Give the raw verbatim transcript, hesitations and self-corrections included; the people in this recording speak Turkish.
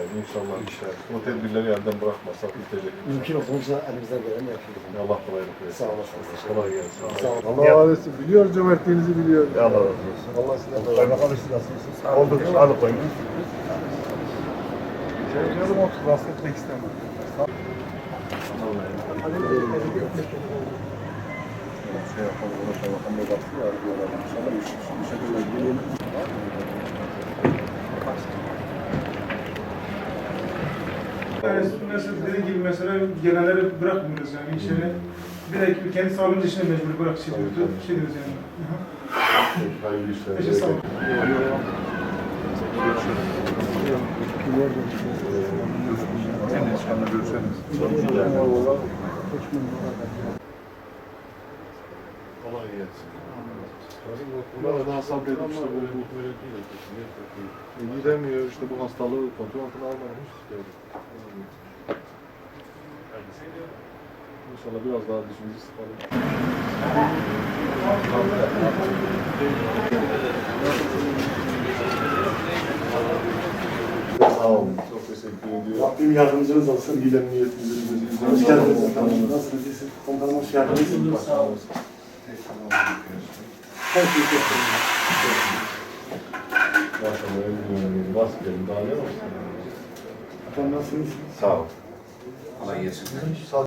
Yani inşallah işler. O tedbirleri elden bırakmasak bitecek. Mümkün olduğunca elimizden geleni yapıyoruz. Allah kolaylık versin. Sağ olasınız. Kolay gelsin. Sağ olun. Allah razı olsun. Biliyor cömertliğinizi biliyor. Allah razı olsun. Allah sizden de razı olsun. Kaymakam siz nasılsınız? Olduk, sağlık koyun. Canım otur, rahatsız etmek istemem. Şey yapalım, uğraşalım, bakalım ne baksın ya, arıyorlar. İnşallah bir şekilde gelelim. Mesela dediğim gibi mesela genelleri bırakmıyoruz yani işleri. Direkt kendi sağlığımız işine mecbur bırak şey diyordu. Şey diyoruz yani. Hayırlı işler. Teşekkür sağ olun. Kendi işlerine görüşelim. Kolay gelsin. Bunlar daha sabredip işte bu böyle değil. E, gidemiyor işte bu hastalığı kontrol altına almamış. İnşallah biraz daha dişimizi sıkalım. Sağ olun. Çok teşekkür ediyorum. Rabbim yardımcınız olsun. Giden niyetimizi Hoş geldiniz efendim. Nasılsınız? İyisiniz? Komutanım hoş geldiniz. Sağ olun. Her şey çok iyi. Maşallah ömrüm nasıl gelin daha ne var? Efendim nasılsınız? Sağ ol. Kolay gelsin.